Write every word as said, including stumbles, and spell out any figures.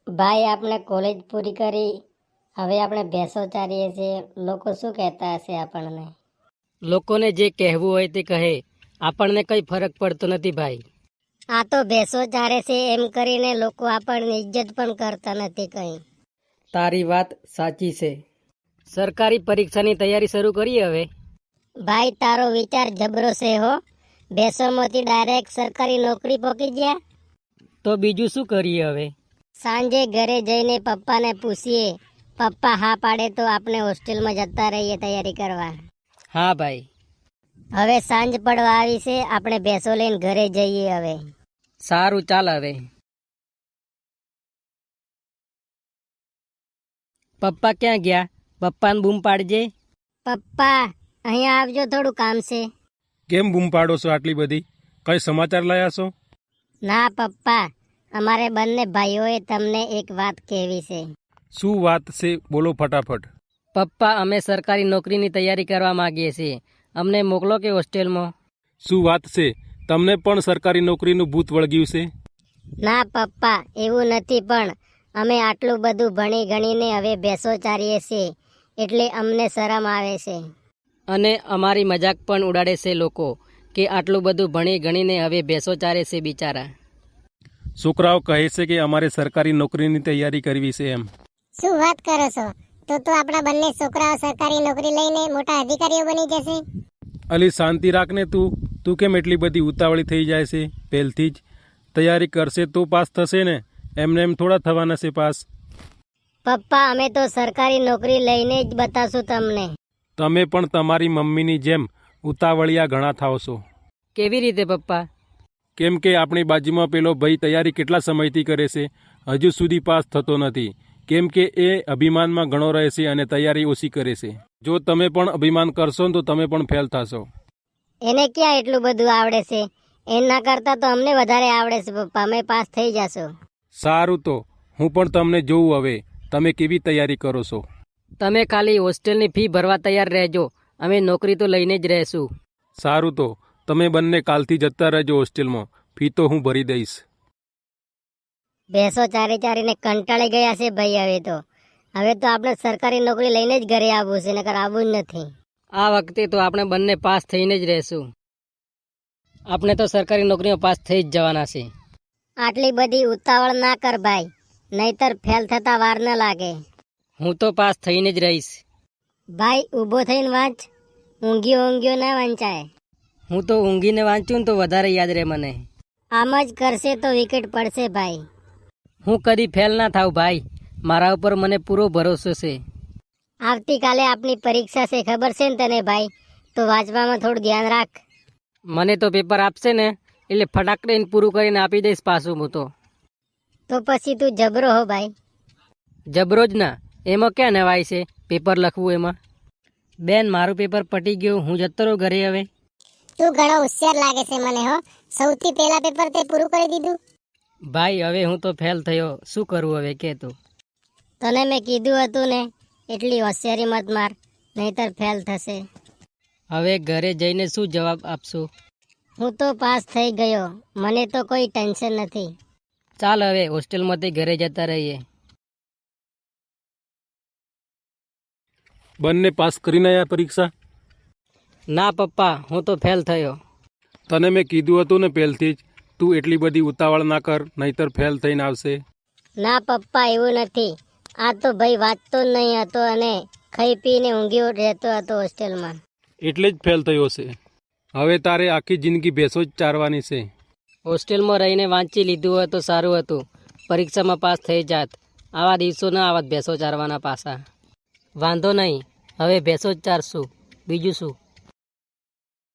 ભાઈ આપણે કોલેજ પૂરી કરી, હવે આપણે ભેંસો ચારીએ છીએ. લોકો શું કહેતા હશે આપણને? લોકોને જે કહેવું હોય તે કહે, આપણને કંઈ ફરક પડતો નથી ભાઈ. આ તો ભેંસો ચારે છે એમ કરીને લોકો આપણને ઇજ્જત પણ કરતા નથી કંઈ. તારી વાત સાચી છે. સરકારી પરીક્ષાની તૈયારી શરૂ કરી હવે. ભાઈ તારો વિચાર જબરો છે હો. ભેંસોમાંથી ડાયરેક્ટ સરકારી નોકરી પહોંચી ગયા. તો બીજું શું કરીએ હવે? સાંજે ઘરે જઈને પપ્પાને પૂછીએ. પપ્પા હા પાડે તો આપણે હોસ્ટેલમાં જતા રહીએ તૈયારી કરવા. હા ભાઈ. હવે સાંજ પડવા આવી છે, આપણે ભેંસો લઈને ઘરે જઈએ હવે. સારું ચાલ હવે. પપ્પા ક્યાં ગયા? પપ્પાને બૂમ પાડજે. પપ્પા અહીંયા આવજો, થોડું કામ છે. કેમ બૂમ પાડો છો આટલી બધી? કઈ સમાચાર લાયા છો? ના પપ્પા, અમારે બંને ભાઈઓએ તમને એક વાત કહેવી છે. શું વાત છે? બોલો ફટાફટ. પપ્પા અમે સરકારી નોકરીની તૈયારી કરવા માંગીએ છીએ. અમને મોકલો કે હોસ્ટેલમાં? શું વાત છે? તમને પણ સરકારી નોકરીનું ભૂત વળગ્યું છે? ના પપ્પા, એવું નથી, પણ અમે આટલું બધું ભણી ગણીને હવે ભેંસો ચારીએ છીએ એટલે અમને શરમ આવે છે. અને અમારી મજાક પણ ઉડાડે છે લોકો કે આટલું બધું ભણી ગણીને હવે ભેંસો ચારે છે બિચારા. છોકરાઓ કહે છે કે અમારે સરકારી નોકરીની તૈયારી કરવી છે એમ. શું વાત કરો છો? તો તો આપણા બંને છોકરાઓ સરકારી નોકરી લઈને મોટા અધિકારીઓ બની જશે. અલી શાંતિ રાખને તું તું કેમ એટલી બધી ઉતાવળી થઈ જાય છે? પહેલથી જ તૈયારી કરશે તો પાસ થશે ને, એમને એમ થોડા થવાના છે પાસ. પપ્પા અમે તો સરકારી નોકરી લઈને જ બતાવશું તમને. તમે પણ તમારી મમ્મીની જેમ ઉતાવળિયા ઘણા થાવ છો. કેવી રીતે પપ્પા? કેમ કે આપણી બાજુમાં પેલો ભાઈ તૈયારી કેટલા સમયથી કરે છે, હજુ સુધી પાસ થતો નથી. કેમ કે એ અભિમાનમાં ઘણો રહે છે અને તૈયારી ઓછી કરે છે. જો તમે પણ અભિમાન કરશો ને તો તમે પણ ફેલ થશો. એને ક્યાં એટલું બધું આવડે છે? એના કરતાં તો અમને વધારે આવડે છે પપ્પા, અમે પાસ થઈ જશો. સારું, તો હું પણ તમને જોઉં હવે તમે કેવી તૈયારી કરો છો. તમે ખાલી હોસ્ટેલની ફી ભરવા તૈયાર રહેજો, અમે નોકરી તો લઈને જ રહેશું. સારું, તો તમે બંને કાલથી જતા રહેજો હોસ્ટેલમાં, ફી તો હું ભરી દઈશ. ભેંસો ચારી ચારીને કંટાળી ગયા છે ભાઈ. હવે તો હવે તો આપણે સરકારી નોકરી લઈને જ ઘરે આવવું છે, નકર આવવું જ નથી. આ વખતે તો આપણે બંને પાસ થઈને જ રહેશું. આપણે તો સરકારી નોકરીમાં પાસ થઈ જ જવાના છે. આટલી બધી ઉતાવળ ના કર ભાઈ, નહીતર ફેલ થતા વાર ન લાગે. હું તો પાસ થઈને જ રહીશ. ભાઈ ઊભો થઈને વાંચ, ઊંઘ્યો ઊંઘ્યો ના વંચાય. હું તો ઊંઘીને વાંચું ને તો વધારે યાદ રહે મને. આમ જ કરશે તો વિકેટ પડશે ભાઈ. હું કદી ફેલ ના થાવ ભાઈ, મારા ઉપર મને પૂરો ભરોસો છે. આવતીકાલે આપણી પરીક્ષા છે, ખબર છે ને તને ભાઈ? તો વાંચવામાં થોડું ધ્યાન રાખ. મને તો પેપર આપશે ને એટલે ફટાક દઈને પૂરું કરીને આપી દઈશ પાછું હું તો. તો પછી તું જબરો હો ભાઈ. જબરો જ ના, એમાં ક્યાં નવાય છે પેપર લખવું એમાં. બેન મારું પેપર પટી ગયું, હું જતો રહું ઘરે હવે. તું ઘણો હોશિયાર લાગે છે મને હો. સૌથી પહેલા પેપર તે પૂરું કરી દીધું. ભાઈ હવે હું તો ફેલ થયો, શું કરવું હવે કે તું? તને મેં કીધું હતું ને, એટલી હોશિયારી મત માર, નહીતર ફેલ થશે. હવે ઘરે જઈને શું જવાબ આપશું? હું તો પાસ થઈ ગયો, મને તો કોઈ ટેન્શન નથી. ચાલ હવે હોસ્ટેલમાંથી ઘરે જતા રહીએ. બંને પાસ કરીને આવ્યા પરીક્ષા? ના પપ્પા, હું તો ફેલ થયો. તને મેં કીધું હતું ને પહેલથી જ, તું એટલી બધી ઉતાવળ ના કર, નહીતર ફેલ થઈને આવશે. ના પપ્પા, એવું નથી. આ તો ભાઈ વાંચતો જ નહીં હતો અને ખાઈ પીને ઊંઘ્યો રહેતો હતો હોસ્ટેલમાં. એટલે જ ફેલ થયો છે. હવે તારે આખી જિંદગી ભેંસો જ ચારવાની છે. હોસ્ટેલમાં રહીને વાંચી લીધું હોય તો સારું હતું, પરીક્ષામાં પાસ થઈ જાત. આવા દિવસો ના આવત ભેંસો ચારવાના પાછા. વાંધો નહીં, હવે ભેંસો જ ચારશું, બીજું શું.